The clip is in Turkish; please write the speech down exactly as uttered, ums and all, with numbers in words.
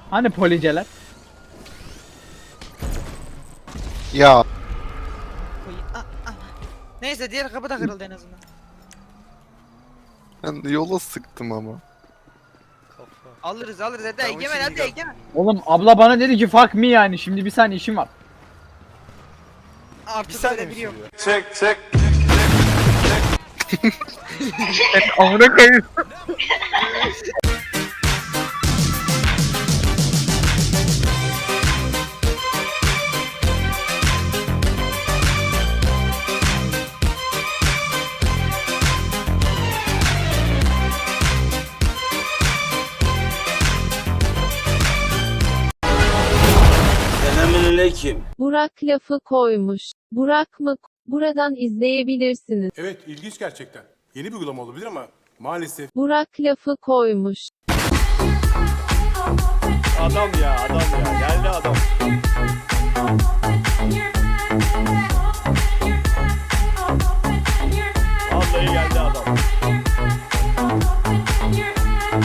Hani policeler? Ya Koy. Ah, ah. Neyse diğer kapı da kırıldı en azından. ben de yola sıktım ama. Kafa. Alırız alırız hadi Tamam, Egemen şimdi hadi gel. Egemen. Oğlum abla bana dedi ki fuck me yani. Şimdi bir saniye işim var. Bir Artık saniye öyle mi biliyorum. sürüyor? Amına koyayım. Selamünaleyküm. Burak lafı koymuş. Burak mı? Buradan izleyebilirsiniz. Evet, ilginç gerçekten. Yeni bir uygulama olabilir ama maalesef. Burak lafı koymuş. Adam ya adam ya geldi adam. Vallahi geldi